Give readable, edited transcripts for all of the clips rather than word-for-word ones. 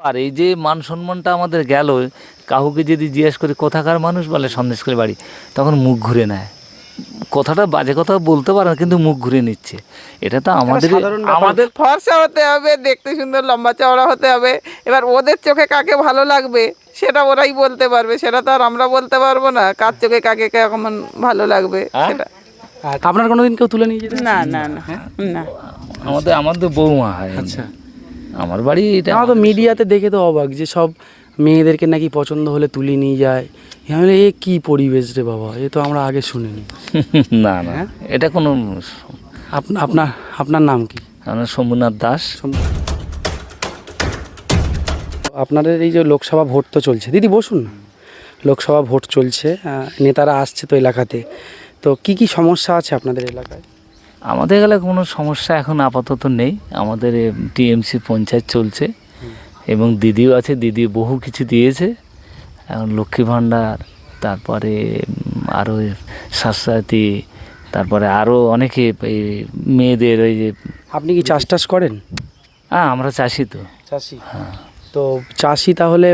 আর এই যে মান সম্মানটা আমাদের গেল, কাউকে যদি জিজ্ঞেস করি কোথাকার মানুষ, বলে সন্দেশখালী বাড়ি, তখন মুখ ঘুরে নেয়। কথাটা বাজে কথা বলতে পারে না, কিন্তু মুখ ঘুরে নিচ্ছে। এটা তো আমাদের আমাদের ফর্সা হতে হবে, দেখতে সুন্দর, লম্বা চওড়া হতে হবে। এবার ওদের চোখে কাকে ভালো লাগবে সেটা ওরাই বলতে পারবে, সেটা তো আর আমরা বলতে পারবো না কার চোখে কাকে কেমন ভালো লাগবে সেটা। আপনার কোনোদিন কেউ তুলে নিয়ে যেতে? না না না না। আমাদের বৌমা হয়। আচ্ছা, আমার বাড়ি এটা। আমার তো মিডিয়াতে দেখে তো অবাক যে সব মেয়েদেরকে নাকি পছন্দ হলে তুলে নিয়ে যায়। আমি বলি, এ কি পরিবেশ রে বাবা, এ তো আমরা আগে শুনিনি। না না, এটা কোনো। আপনার আপনার নাম কি? আমার শম্ভুনাথ দাস। আপনাদের এই যে লোকসভা ভোট তো চলছে, দিদি বসুন না। লোকসভা ভোট চলছে, নেতারা আসছে তো এলাকাতে, তো কি কি সমস্যা আছে আপনাদের এলাকায়? আমাদের এলাকায় কোনো সমস্যা এখন আপাতত নেই। আমাদের টিএমসি পঞ্চায়েত চলছে এবং দিদিও আছে, দিদি বহু কিছু দিয়েছে। এখন লক্ষ্মী ভাণ্ডার, তারপরে আরও স্বাস্থ্যসাথী, তারপরে আরও অনেকে এই মেয়েদের ওই যে। আপনি কি চাষ টাস করেন? হ্যাঁ, আমরা চাষি তো। চাষি, তো চাষি তাহলে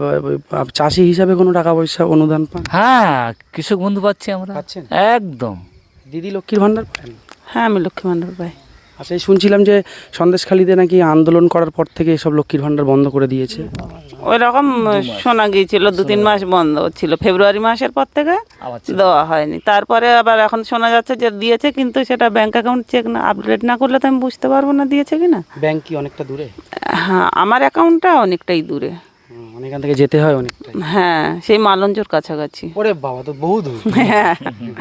চাষি হিসাবে কোনো টাকা পয়সা অনুদান পান? হ্যাঁ, কৃষক বন্ধু পাচ্ছি আমরা। পাচ্ছেন? একদম। দিদি লক্ষ্মীর ভাণ্ডার পান? হ্যাঁ, আমি লক্ষ্মী ভাণ্ডার পাই। আচ্ছা, এই শুনছিলাম যে সন্দেশখালীতে নাকি আন্দোলন করার পর থেকে এসব লক্ষ্মীর ভাণ্ডার বন্ধ করে দিয়েছে। ওই রকম শোনা গিয়েছিল, 2-3 মাস বন্ধ ছিল, ফেব্রুয়ারি মাসের পর থেকে দেওয়া হয়নি। তারপরে আবার এখন শোনা যাচ্ছে যে দিয়েছে, কিন্তু সেটা ব্যাংক অ্যাকাউন্ট চেক না, আপডেট না করলে তো আমি বুঝতে পারবো না দিয়েছে কি না। ব্যাংক কি অনেকটা দূরে? হ্যাঁ, আমার অ্যাকাউন্টটা অনেকটাই দূরে। অনেকখান থেকে যেতে হয় অনেকটাই। হ্যাঁ, সেই মালঞ্চর কাছাকাছি। ওরে বাবা, তো বহু দূর। হ্যাঁ,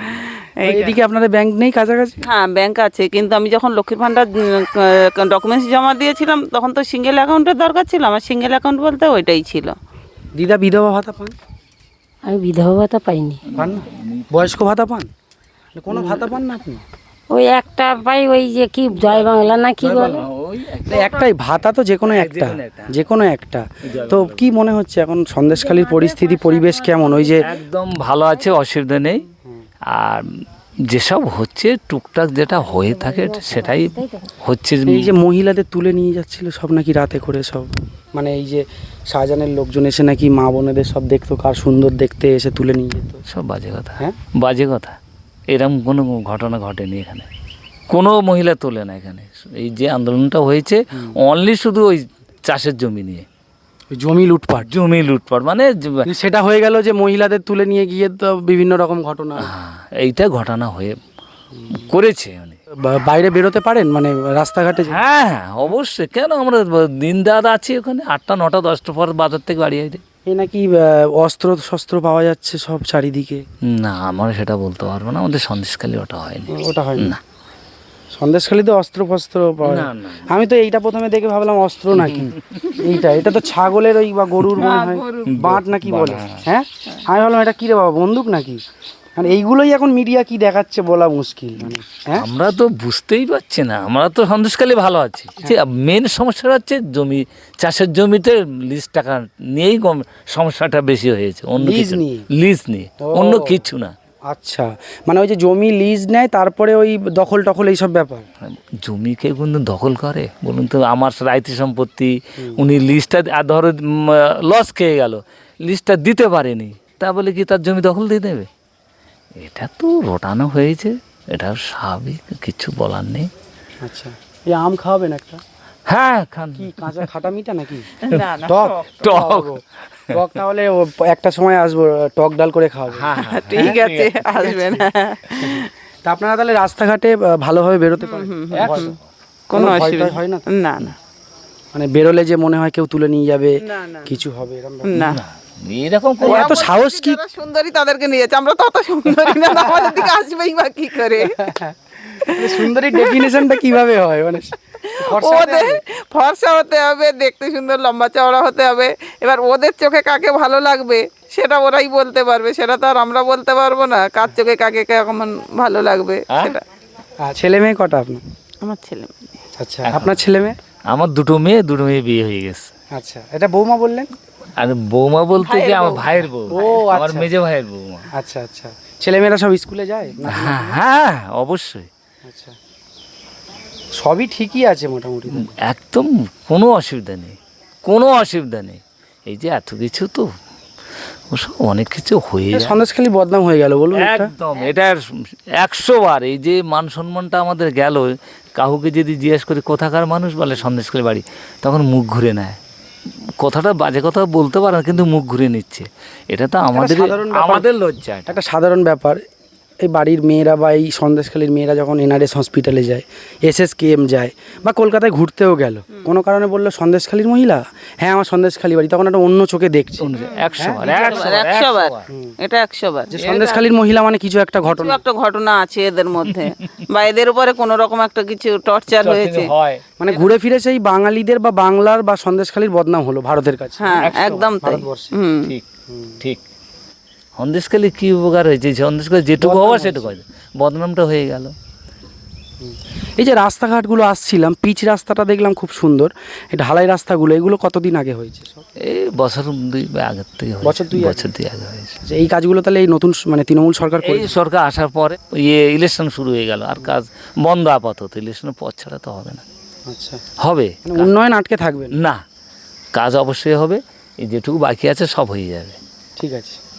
এদিকে আপনাদের ব্যাংক নেই কাছাকাছি? হ্যাঁ ব্যাংক আছে, কিন্তু আমি যখন লক্ষ্মীর ভাণ্ডার ডকুমেন্টস জমা দিয়েছিলাম তখন তো সিঙ্গেল অ্যাকাউন্টের দরকার ছিল। আমার সিঙ্গেল অ্যাকাউন্ট বলতে ওইটাই ছিল। দিদা বিধবা ভাতা পান? আমি বিধবা ভাতা পাইনি। পান না? বয়স্ক ভাতা পান? কোনো ভাতা পান না আপনি? ওই একটা পাই, ওই যে কি জয় বাংলা না কি বলে, একটাই ভাতা, তো যে কোনো একটা, যে কোনো একটা। তো কি মনে হচ্ছে এখন সন্দেশখালীর পরিস্থিতি, পরিবেশ কেমন? ওই যে একদম ভালো আছে, অসুবিধা নেই। আর যেসব হচ্ছে টুকটাক যেটা হয়ে থাকে সেটাই হচ্ছে। এই যে মহিলাদের তুলে নিয়ে যাচ্ছিল সব নাকি রাতে করে, সব মানে এই যে শাহজাহানের লোকজন এসে নাকি মা বোনেদের সব দেখতো, কার সুন্দর দেখতে, এসে তুলে নিয়ে যেত। সব বাজে কথা। হ্যাঁ, বাজে কথা। এরকম কোনো ঘটনা ঘটেনি এখানে, কোনো মহিলা তোলে না এখানে। এই যে আন্দোলনটা হয়েছে অনলি শুধু ওই চাষের জমি নিয়ে, জমি লুটপাট। জমি লুটপাট মানে সেটা হয়ে গেল যে মহিলাদের তুলে নিয়ে গিয়ে তো বিভিন্ন রকম ঘটনা, এইটা ঘটনা হয়ে করেছে। মানে বাইরে বেরোতে পারেন, মানে রাস্তাঘাটে? হ্যাঁ হ্যাঁ, অবশ্যই। কেন, আমরা দিন রাত আছি ওখানে, 8টা 9টা 10টা পর বাজার থেকে বাড়ি আসে। এই নাকি অস্ত্র শস্ত্র পাওয়া যাচ্ছে সব চারিদিকে? না, আমরা সেটা বলতে পারবো না, আমাদের সন্দেশখালী ওটা হয়নি। ওটা হয় না। সন্দেশখালীতে অস্ত্র ফস্ত্র পাওয়া যায়? আমি তো এইটা প্রথমে দেখে ভাবলাম অস্ত্র নাকি। এটা তো ছাগলের ওই বা গরুর মনে হয় বাঁট নাকি বলে। হ্যাঁ, আমি ভাবলাম এটা কি রে বাবা, বন্দুক নাকি? মানে এইগুলোই এখন মিডিয়া কি দেখাচ্ছে বলা মুশকিল। মানে হ্যাঁ, আমরা তো বুঝতেই পারছি না। আমরা তো সন্দেশখালী ভালো আছি। মেন সমস্যাটা হচ্ছে জমি, চাষের জমিতে লিজ টাকা নিয়েই সমস্যাটা বেশি হয়েছে। অন্য কিছু নিয়ে, লিজ নিয়ে, অন্য কিছু না। আচ্ছা, মানে ওই যে জমি লিজ নেয়, তারপরে ওই দখল টখল এইসব ব্যাপার। জমিকে কিন্তু দখল করে বলুন তো? আমার রাইতি সম্পত্তি, উনি লিজটা ধরো লস খেয়ে গেল, লিজটা দিতে পারেনি, তা বলে কি তার জমি দখল দিয়ে দেবে? এটা তো রটানো হয়েছে, এটা স্বাভাবিক, কিছু বলার নেই। আচ্ছা, এই আম খাওয়াবেন একটা? হ্যাঁ, খান। কি কাঁচা খাটা মিঠা নাকি না না, টক? টক। টক তাহলে একটা সময় আসবো, টক ডাল করে খাওয়াবো। ঠিক আছে, আসবেন। তা আপনারা তাহলে রাস্তাঘাটে ভালোভাবে বেরোতে পারেন? কোনো ভয় অসুবিধা টয় হয় না? না না, মানে বেরোলে যে মনে হয় কেউ তুলে নিয়ে যাবে, কিছু হবে এরকম ব্যাপার? না। এরকম ও এত সাহস কি? যারা সুন্দরী তাদেরকে নিয়েছে, আমরা তো অত সুন্দরী না, আমাদের দিকে আসবেই বা কি করে? সুন্দরী ডেফিনেশনটা কিভাবে হয়? মানে ওদের ফর্সা হতে হবে, দেখতে সুন্দর, লম্বা চওড়া হতে হবে। এবার ওদের চোখে কাকে ভালো লাগবে সেটা ওরাই বলতে পারবে, সেটা তো আর আমরা বলতে পারবো না কার চোখে কাকে কেমন ভালো লাগবে সেটা। ছেলে মেয়ে কটা আপনার? আমার ছেলে মেয়ে। আচ্ছা, আপনার ছেলে মেয়ে? আমার দুটো মেয়ে বিয়ে হয়ে গেছে। আচ্ছা, এটা বৌমা বললেন? আর বৌমা বলতে কি আমার ভাইয়ের বউ, আমার মেজে ভাইয়ের বৌমা। আচ্ছা আচ্ছা, ছেলেমেয়েরা সব স্কুলে যায়? হ্যাঁ হ্যাঁ, অবশ্যই। আচ্ছা, সবই ঠিকই আছে মোটামুটি? একদম কোনো অসুবিধা নেই। কোনো অসুবিধা নেই। এই যে এত কিছু তো ওসব অনেক কিছু হয়ে যায় সন্দেশখালী বদনাম হয়ে গেল বলুন একটা। একদম, এটা 100 বার এই যে মান সম্মানটা আমাদের গেল। কাউকে যদি জিজ্ঞেস করি কোথাকার মানুষ, বলে সন্দেশখালী বাড়ি, তখন মুখ ঘুরে নেয়। কথাটা বাজে কথা বলতে পারে না, কিন্তু মুখ ঘুরে নিচ্ছে। এটা তো আমাদের সাধারণ ব্যাপার। আমাদের লজ্জা এটা। একটা সাধারণ ব্যাপার, এই বাড়ির মেয়েরা বা এই সন্দেশখালীর মেয়েরা যখন NRS হসপিটালে যায়, SSKM যায়, বা কলকাতায় ঘুরতেও গেল, কোনো কারণে বললো সন্দেশখালীর মহিলা, হ্যাঁ আমার সন্দেশখালী বাড়ি, তখন একটা অন্য চোখে দেখছে 100 বার, 100 বার, এটা 100 বার। যে সন্দেশখালীর মহিলা মানে কিছু একটা কিছু ঘটনা। একটা ঘটনা আছে এদের মধ্যে, বা এদের উপরে কোনো রকম একটা কিছু টর্চার হয়েছে। হয়। মানে ঘুরে ফিরে সেই বাঙালিদের বা বাংলার বা সন্দেশখালীর বদনাম হলো ভারতের কাছে। হ্যাঁ, একদম তাই। হুম। ঠিক ঠিক। সন্দেশখালী কি উপকার হয়েছে? সন্দেশখালী যেটুকু হওয়া সেটুকু হয়েছে, বদনামটা হয়ে গেল। এই যে রাস্তাঘাটগুলো আসছিলাম, পিচ রাস্তাটা দেখলাম খুব সুন্দর, এই ঢালাই রাস্তাগুলো, এগুলো কতদিন আগে হয়েছে সব? এই বছর 2 আগের থেকে হয়েছে। বছর দুই আগে? বছর 2 আগে হয়েছে। যে এই কাজগুলো তাহলে এই নতুন মানে তৃণমূল সরকার এই করেছে? সরকার আসার পরে ইলেকশন শুরু হয়ে গেল, আর কাজ বন্ধ আপাতত। ইলেকশনের পর ছাড়া তো হবে না। আচ্ছা, হবে মানে উন্নয়ন আটকে থাকবে না। না, কাজ অবশ্যই হবে। এই যেটুকু বাকি আছে সব হয়ে যাবে। ঠিক আছে।